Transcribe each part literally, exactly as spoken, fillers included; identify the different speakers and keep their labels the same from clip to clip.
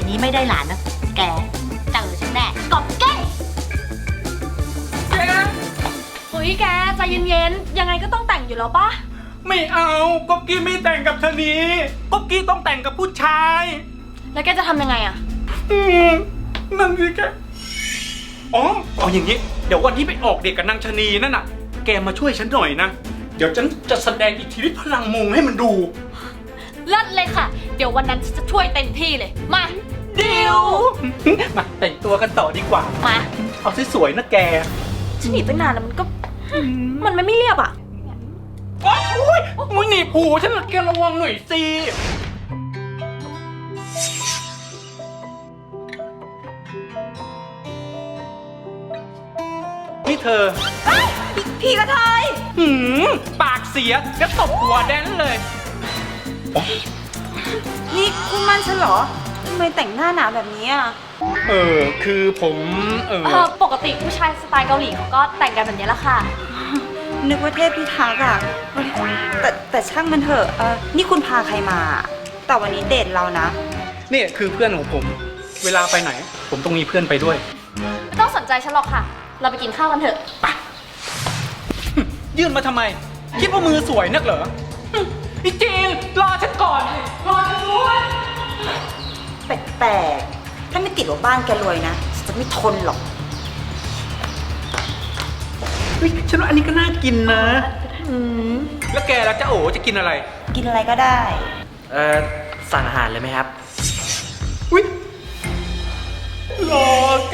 Speaker 1: นี้ไม่ได้หลานนะแกเจอฉันแน่กอบเก้
Speaker 2: แก
Speaker 3: เฮ้ยแกใจเย็นๆยังไงก็ต้องแต่งอยู่แล้วปะ
Speaker 2: ไม่เอาก๊อบกี้ไม่แต่งกับเธอนี้ก๊อบกี้ต้องแต่งกับผู้ชาย
Speaker 3: แล้วแกจะทำยังไงอะ
Speaker 2: อืมนั่นสิแกอ๋อเอาอย่างนี้เดี๋ยววันที่ไปออกเด็กกับนางชะนีนั่นน่ะแกมาช่วยฉันหน่อยนะเดี๋ยวฉันจะแสดงอิทธิฤทธิพลังมงให้มันดู
Speaker 3: เลิศเลยค่ะเดี๋ยววันนั้นฉันจะช่วยเต็มที่เลยมาดิว
Speaker 2: มาแต่งตัวกันต่อดีกว่า
Speaker 3: มา
Speaker 2: เอาสวยๆนะแก
Speaker 3: ฉันหนีตั้งนานแล้วมันก็มันไม่เรียบอะ
Speaker 2: โอ๊ยมึงหนีบหูฉันแกระวังหน่อยสินี่เธอ
Speaker 3: พี่กระเทย
Speaker 2: หืมปากเสียก็ตบหัวแดนเลย
Speaker 4: นี่คุณมั่นฉันเหรอทำไมแต่งหน้าหนาแบบนี้อ่ะ
Speaker 2: เออคือผมเออ
Speaker 3: เออปกติผู้ชายสไตล์เกาหลีเขาก็แต่งกันแบบนี้แหละค่ะ
Speaker 4: นึกว่าเทพพิทักษ์อ่ะเฮ้ยแต่แต่ช่างมันเถอะเออนี่คุณพาใครมา แต่วันนี้เดทเรานะ
Speaker 2: นี่คือเพื่อนของผม เวลาไปไหน ผมต้องมีเพื่อนไปด้วย
Speaker 3: ไม่ต้องสนใจฉันหรอกค่ะ เราไปกินข้าวกันเถอะ
Speaker 2: ยื่นมาทำไม คิดว่ามือสวยนักเหรอพี่จีนรอฉันก่อนสิรอฉันด้วย
Speaker 4: แปลกๆถ้าไม่ติดว่าบ้านแกรวยนะฉันจะไม่ทนหรอก
Speaker 2: เฮ้ยฉันว่าอันนี้ก็น่ากินนะ
Speaker 4: อืม
Speaker 2: แล้วแกล่ะจ๊ะโอ๋จะกินอะไร
Speaker 4: กินอะไรก็ได้
Speaker 5: เอ่อสั่งอาหารเลยไหมครับ
Speaker 2: อุ้ยรอแก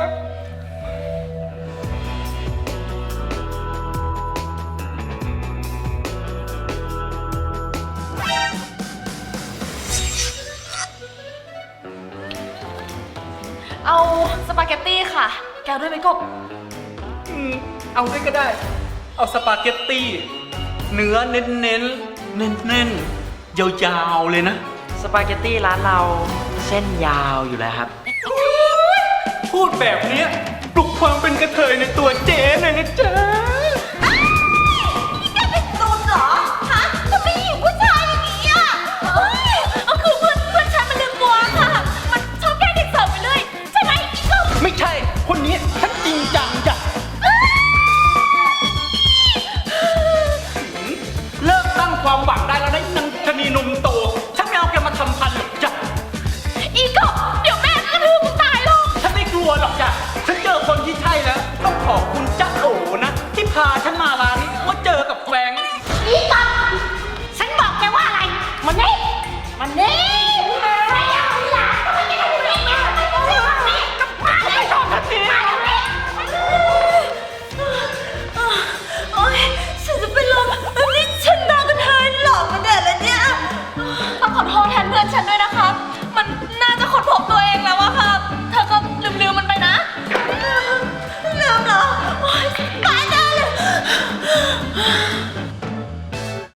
Speaker 3: เอาสปาเกตตี้ค่ะ แกวด้วยไหมกบ
Speaker 2: อืมเอาด้วยก็ได้ เอาสปาเกตตี้ เนื้อเน้นเน้นเน้นเน้นๆยาวๆเลยนะ
Speaker 5: สปาเกตตี้ร้านเราเส้นยาวอยู่แล้วครับ
Speaker 2: พูดแบบเนี้ยปลุกความเป็นกระเทยในตัวเจ๊หน่อยนะจ๊ะ